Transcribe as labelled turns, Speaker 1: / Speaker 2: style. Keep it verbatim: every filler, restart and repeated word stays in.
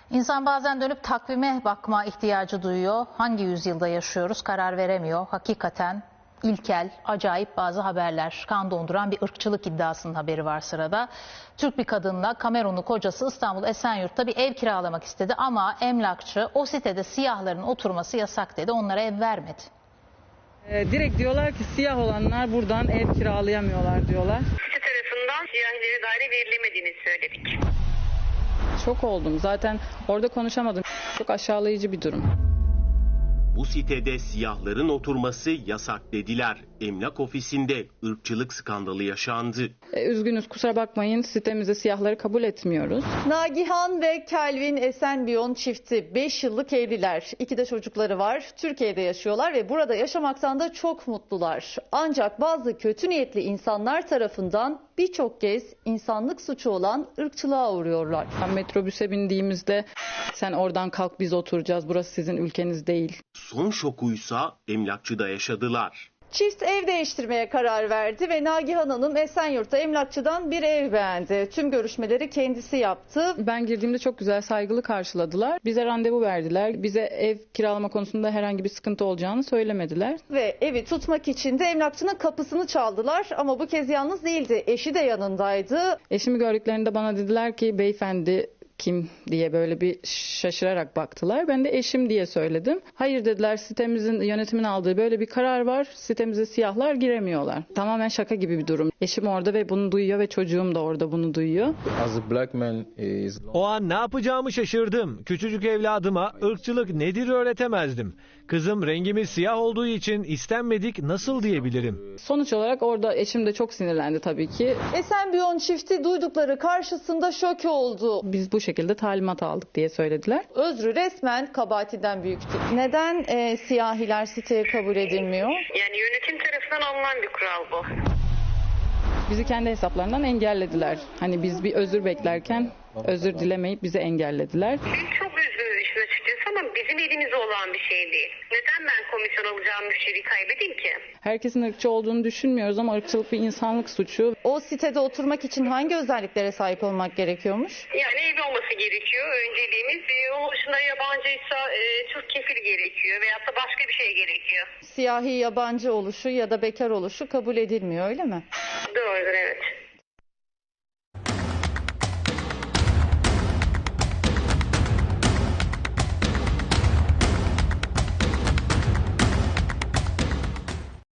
Speaker 1: İnsan bazen dönüp takvime bakma ihtiyacı duyuyor. Hangi yüzyılda yaşıyoruz karar veremiyor. Hakikaten ilkel, acayip bazı haberler. Kan donduran bir ırkçılık iddiasının haberi var sırada. Türk bir kadınla Kamerunlu kocası İstanbul Esenyurt'ta bir ev kiralamak istedi ama emlakçı o sitede siyahların oturması yasak dedi. Onlara ev vermedi.
Speaker 2: E, direkt diyorlar ki siyah olanlar buradan ev kiralayamıyorlar diyorlar.
Speaker 3: Site tarafından siyahilere daire verilemediğini söyledik.
Speaker 2: Şok oldum. Zaten orada konuşamadım. Çok aşağılayıcı bir durum.
Speaker 4: Bu sitede siyahların oturması yasak dediler. Emlak ofisinde ırkçılık skandalı yaşandı.
Speaker 2: E, üzgünüz, kusura bakmayın, sitemize siyahları kabul etmiyoruz.
Speaker 5: Nagihan ve Kelvin Esenbiyon çifti beş yıllık evliler. İki de çocukları var. Türkiye'de yaşıyorlar ve burada yaşamaktan da çok mutlular. Ancak bazı kötü niyetli insanlar tarafından birçok kez insanlık suçu olan ırkçılığa uğruyorlar.
Speaker 2: Ben metrobüse bindiğimizde sen oradan kalk biz oturacağız, burası sizin ülkeniz değil.
Speaker 4: Son şokuysa emlakçıda yaşadılar.
Speaker 5: Çift ev değiştirmeye karar verdi ve Nagihan Hanım Esenyurt'ta emlakçıdan bir ev beğendi. Tüm görüşmeleri kendisi yaptı.
Speaker 2: Ben girdiğimde çok güzel, saygılı karşıladılar. Bize randevu verdiler. Bize ev kiralama konusunda herhangi bir sıkıntı olacağını söylemediler.
Speaker 5: Ve evi tutmak için de emlakçının kapısını çaldılar ama bu kez yalnız değildi. Eşi de yanındaydı.
Speaker 2: Eşimi gördüklerinde bana dediler ki beyefendi kim diye böyle bir şaşırarak baktılar. Ben de eşim diye söyledim. Hayır dediler, sitemizin yönetimin aldığı böyle bir karar var. Sitemize siyahlar giremiyorlar. Tamamen şaka gibi bir durum. Eşim orada ve bunu duyuyor ve çocuğum da orada bunu duyuyor.
Speaker 6: O an ne yapacağımı şaşırdım. Küçücük evladıma ırkçılık nedir öğretemezdim. Kızım rengimiz siyah olduğu için istenmedik nasıl diyebilirim?
Speaker 2: Sonuç olarak orada eşim de çok sinirlendi tabii ki.
Speaker 5: Esenbiyon çifti duydukları karşısında şok oldu.
Speaker 2: Biz bu şekilde talimat aldık diye söylediler.
Speaker 5: Özrü resmen kabahatinden büyüktü. Neden e, siyahiler siteye kabul edilmiyor?
Speaker 3: Yani yönetim tarafından alınan bir kural bu.
Speaker 2: Bizi kendi hesaplarından engellediler. Hani biz bir özür beklerken özür dilemeyip bizi engellediler.
Speaker 3: Biz çok üzgünüz işin açıkçası ama bizim elimizde olan bir şey değil. Neden ben komisyon alacağım müşteriyi kaybedeyim ki?
Speaker 2: Herkesin ırkçı olduğunu düşünmüyoruz ama ırkçılık bir insanlık suçu.
Speaker 5: O sitede oturmak için hangi özelliklere sahip olmak gerekiyormuş?
Speaker 3: Yani evli olması gerekiyor. Önceliğimiz e, onun dışında yabancıysa e, Türk kefili gerekiyor veyahut da başka bir şey gerekiyor.
Speaker 5: Siyahi yabancı oluşu ya da bekar oluşu kabul edilmiyor, öyle mi?
Speaker 3: Doğrudur, evet.